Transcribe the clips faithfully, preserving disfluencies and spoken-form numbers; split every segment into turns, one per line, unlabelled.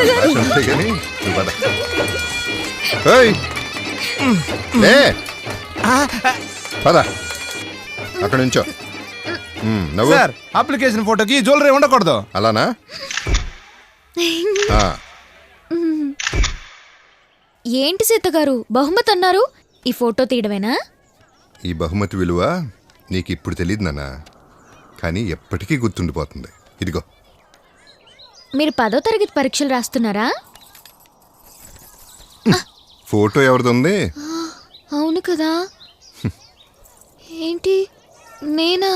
కానీ పద. ఏయ్, లే, పద అక్కడ నుంచో.
సార్ అప్లికేషన్ ఫోటోకి జ్యువెలరీ ఉండకూడదు.
అలానా?
ఏంటి సీత గారు బహుమతి అన్నారు, ఈ ఫోటో తీయడమేనా?
ఈ బహుమతి విలువ నీకు ఇప్పుడు తెలియదు నాన్న, కానీ ఎప్పటికీ గుర్తుండిపోతుంది. ఇదిగో.
మీరు పదో తరగతి పరీక్షలు రాస్తున్నారా?
ఫోటో ఎవరిది ఉంది?
అవును కదా. ఏంటి నేనా?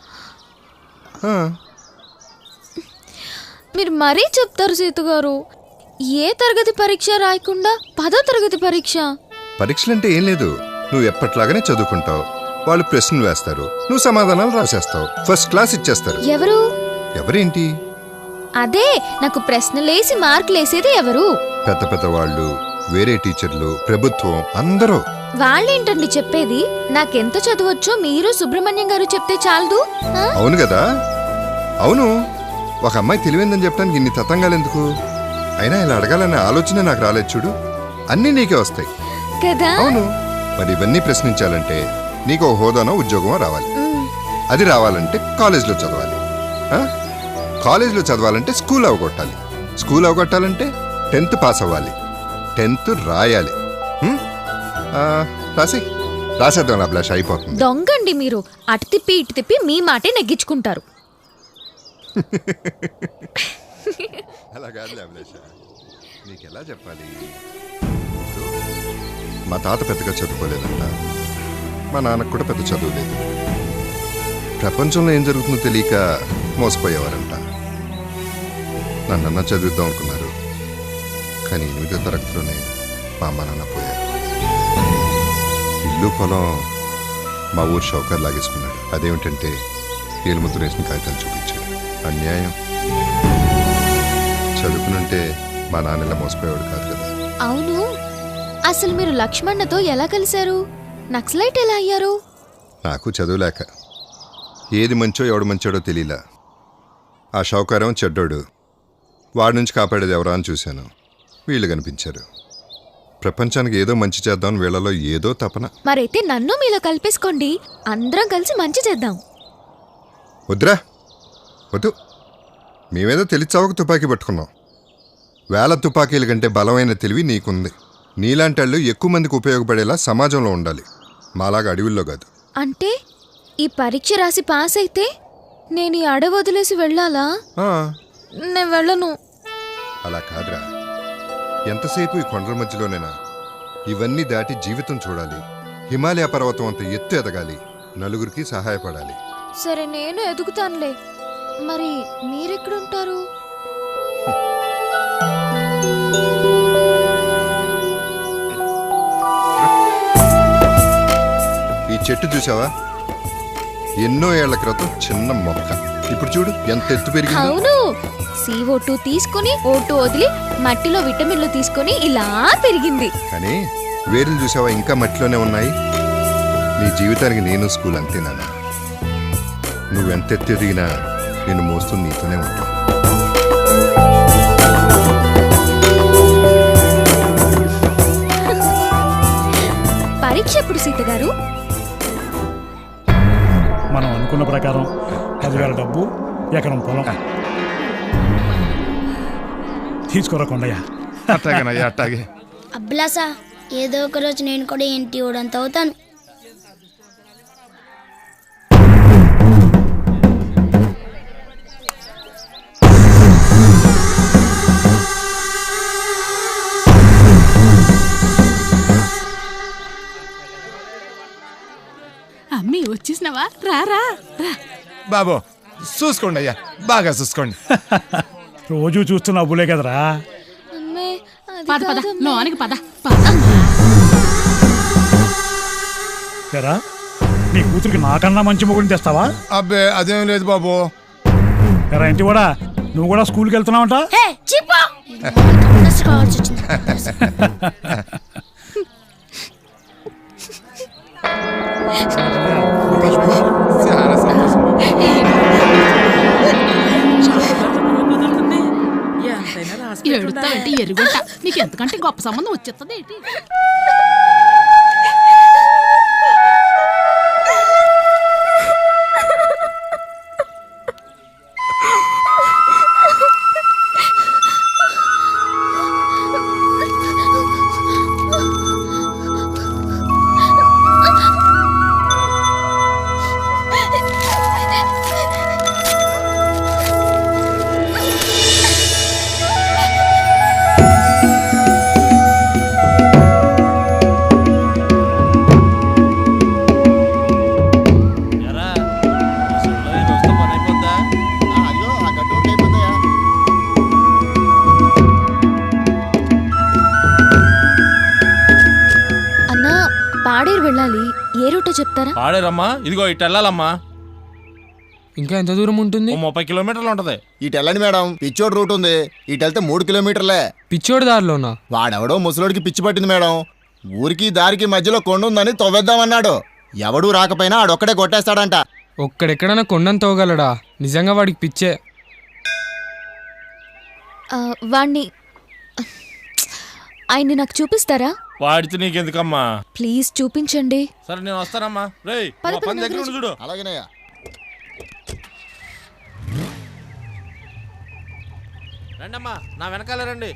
మీరు మరీ చెప్తారు సీత గారు. ఏ తరగతి పరీక్ష రాయకుండా పదో తరగతి పరీక్ష?
పరీక్షలంటే ఏం లేదు, నువ్వు ఎప్పట్లాగానే చదువుకుంటావు, వాళ్ళు ప్రశ్నలు వేస్తారు, నువ్వు సమాధానాలు రాసేస్తావు, ఫస్ట్ క్లాస్ ఇచ్చేస్తారు.
ఎవరు?
ఎవరేంటి?
అదే నాకు ప్రశ్నలేసి మార్కులు వేసేది ఎవరు?
పెద్ద పెద్ద వాళ్ళు, వేరే టీచర్లు, ప్రభుత్వం, అందరూ.
వాళ్ళేంటండి చెప్పేది? నాకెంత చదవచ్చో మీరు సుబ్రహ్మణ్యం గారు చెప్తే చాలదు?
అవును కదా. అవును, ఒక అమ్మాయి తెలివైందని చెప్పడానికి ఇన్ని తతంగాలు ఎందుకు? అయినా ఇలా అడగాలనే ఆలోచన నాకు రాలేదు చూడు. అన్నీ నీకే వస్తాయి
కదా.
అవును, మరి ఇవన్నీ ప్రశ్నించాలంటే నీకు ఒక హోదానో ఉద్యోగమో రావాలి. అది రావాలంటే కాలేజ్లో చదవాలి. కాలేజ్లో చదవాలంటే స్కూల్ అవగొట్టాలి. స్కూల్ అవగొట్టాలంటే టెన్త్ పాస్ అవ్వాలి. టెన్త్ రాయాలి. రాసి రాసేద్దాం, అభిలాష అయిపోతుంది.
దొంగండి మీరు. అటు తిప్పి ఇటు తిప్పి మీ మాటే నెగ్గించుకుంటారు.
అలా కాదులే అభిలాష, నీకెలా చెప్పాలి? మా తాత పెద్దగా చదువుకోలేదంట, మా నాన్నకు కూడా పెద్ద చదువు లేదు. ప్రపంచంలో ఏం జరుగుతుందో తెలియక మోసపోయేవారంట. నన్నన్నా చదివిద్దాం అనుకున్నారు, కానీ ఎనిమిదో తరగతిలోనే మా అమ్మ నాన్న పోయారు. ఇల్లు పొలం మా ఊరు షౌకర్ లాగేసుకున్నాడు. అదేమిటంటే ఏలుముద్ర వేసిన కాగితాలు చూపించాడు. అన్యాయం. చదువుకునుంటే మా నాన్న ఇలా మోసపోయేవాడు కాదు కదా.
అవును, అసలు మీరు లక్ష్మణ్ణతో ఎలా కలిశారు? నక్సలైట్ ఎలా అయ్యారు?
నాకు చదువులేక ఏది మంచో ఎవడు మంచోడో తెలియలా. ఆ షౌకారం చెడ్డోడు, వాడి నుంచి కాపాడేది ఎవరా అని చూశాను. వీళ్ళు కనిపించారు. ప్రపంచానికి ఏదో మంచి చేద్దాం, వీళ్ళలో ఏదో తపన.
మరైతే నన్ను మీలో కలిపేసుకోండి, అందరం కలిసి మంచి చేద్దాం.
వద్దురా, వద్దు. మేమేదో తెలిచావక తుపాకీ పట్టుకున్నాం. వేల తుపాకీల కంటే బలమైన తెలివి నీకుంది. నీలాంటి వాళ్ళు ఎక్కువ మందికి ఉపయోగపడేలా సమాజంలో ఉండాలి, మాలాగా అడవుల్లో కాదు.
అంటే ఈ పరీక్ష రాసి పాస్ అయితే నేను ఈ అడవి వదిలేసి వెళ్ళాలా? నేను వెళ్ళను.
అలా కాదురా, ఎంతసేపు ఈ కొండల మధ్యలోనేనా? ఇవన్నీ దాటి జీవితం చూడాలి. హిమాలయ పర్వతం అంత ఎత్తు ఎదగాలి, నలుగురికి సహాయపడాలి.
సరే, నేను ఎదుగుతానులే. మరి మీరెక్కడుంటారు?
ఈ చెట్టు చూసావా? ఎన్నో ఏళ్ల క్రితం చిన్న మొక్క, ఇప్పుడు చూడు ఎంత ఎత్తు పెరిగింది.
అవును, సీఓ టూ తీసుకుని ఓ టూ వదిలి మట్టిలో విటమిన్లు తీసుకుని ఇలా పెరిగింది.
కానీ వేర్లు చూసావా, ఇంకా మట్టిలోనే ఉన్నాయి. నీ జీవితానికి నేను స్కూల్ అంతేనా? నువ్వెంత ఎత్తు ఎదిగినా నేను మోస్తూ నీతోనే ఉంటావు.
పరీక్ష ఎప్పుడు సీత గారు?
మనం అనుకున్న ప్రకారం పదివేల డబ్బు, ఎకరం పొలం. తీసుకోరా కొండయ్య.
అట్టాగేనయ్యా, అట్టాగే.
అబ్బలాసా, ఏదో ఒక రోజు నేను కూడా ఇంటి ఊడంత అవుతాను.
అమ్మీ వచ్చేసినావా? రారా రా.
బాబు చూసుకోండి అయ్యా, బాగా చూసుకోండి.
రోజు చూస్తున్నా అబ్బులే కదరా.
పద పద, లోనికి పద.
ఎరా, నీ కూతురికి నాకన్నా మంచి మొగుడిని తెస్తావా?
అబ్బే అదేం లేదు బాబు.
ఎరా ఇంటి కూడా, నువ్వు కూడా స్కూల్కి వెళ్తున్నావంట?
చాలా సంతోషం.
ఎడుతావంటే అంతకంటే గొప్ప సంబంధం వచ్చేస్తుంది ఏంటి?
పాడేరు వెళ్ళాలి, ఏ రూటో చెప్తారా?
పాడేరమ్మా, ఇదిగో ఇటు వెళ్ళాలమ్మా.
ఇంకా ఎంత దూరం ఉంటుంది?
ఓ ముప్పై కిలోమీటర్లు ఉంటది.
ఇటు వెళ్ళండి మేడం, పిచ్చోడు రూట్ ఉంది. ఇటు వెళ్తే మూడు కిలోమీటర్లే.
పిచ్చోడు దారిలోనా?
వాడెవడో ముసలోడికి పిచ్చి పట్టింది మేడం. ఊరికి దారికి మధ్యలో కొండ ఉందని తవ్వేద్దామన్నాడు. ఎవడూ రాకపోయినా ఆడొక్కడే కొట్టేస్తాడంట.
ఒక్కడెక్కడన్నా కొండను తోగలడా? నిజంగా వాడికి పిచ్చే.
ఆ, వాణ్ణి ఆయన్ని నాకు చూపిస్తారా?
వాడితే నీకెందుకమ్మా?
ప్లీజ్ చూపించండి.
సరే నేను వస్తానమ్మా. రేయ్
పద,
మా
పద,
పని దగ్గర
పద,
ఉండి చూడు.
అలాగేనయ్యా.
రండమ్మా, నా వెనకాల రండి.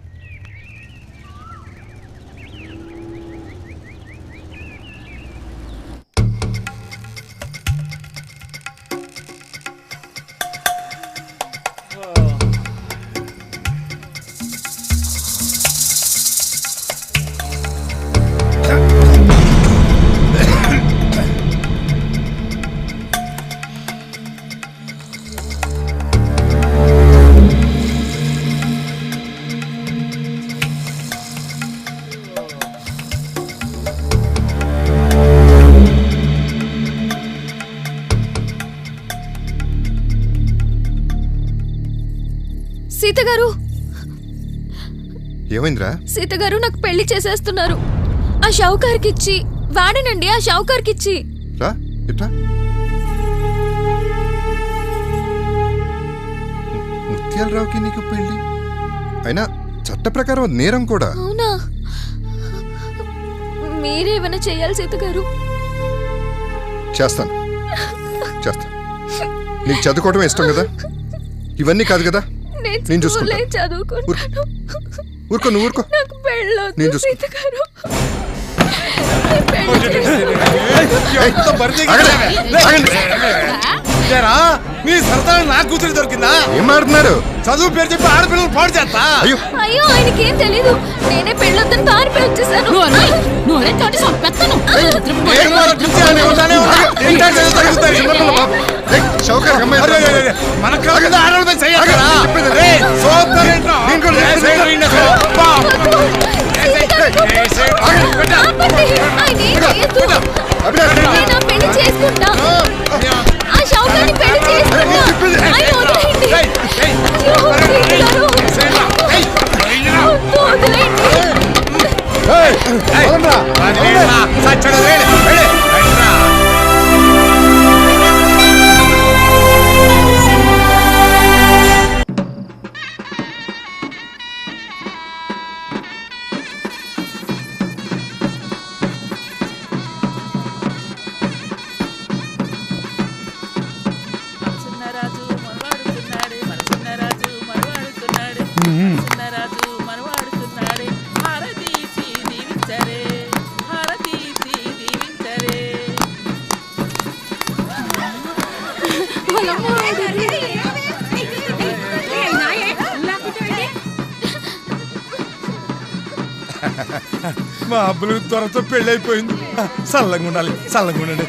సీత గారు,
ఏమైందిరా?
సీత గారు నాకు పెళ్లి చేసేస్తున్నారు. ఆ షౌకార్కి ఇచ్చి వాడనండి, ఆ షౌకార్కి ఇచ్చి.
రా ఇట్రా. ముత్యాలరావుకి నీకు పెళ్ళి అయినా చట్ట ప్రకారం అది నేరం కూడా.
అవునా? మీరేమైనా చెయ్యాలి సీత గారు.
చేస్తాను చేస్తాను. నీకు చదువుకోవడం ఇష్టం కదా? ఇవన్నీ కాదు కదా? నేను చూసుకుంటా. ఊరుకో, నువ్వు ఊరుకో. నేను చూసుకుంటా.
మీ సరదా నా కూతురు దొరికిందా?
ఏం మాట్లాడుతున్నారు?
చదువు పేరు చెప్పి ఆడపిల్లలు పాడు చేస్తా.
అయ్యో
అయ్యో, ఆయనకేం తెలీదు. నేనే పెళ్ళొద్దని పారిపోయి వచ్చేసాను.
మన కాదు ఆడవాళ్ళపై చెయ్యాలా?
పెళ్లి చేసుకుంటా. ఆ షౌకాన్ని పెళ్లి చేసుకుంటా. అయ్యో, వదిలేయండి. అయ్యో, వదిలేయండి.
మా అబ్బులు త్వరతో పెళ్ళి అయిపోయింది. చల్లంగా ఉండాలి, చల్లంగా ఉండండి.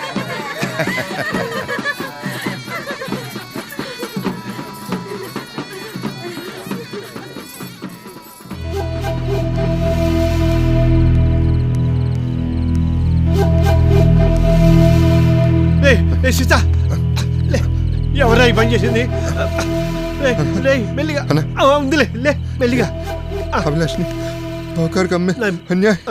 సీత, ఎవరా ఈ పని చేసింది? మెల్లిగా ఉందిలే, లే మెల్లిగా.
అభిలాష్ని షౌకార్కి అమ్మే అన్యాయం.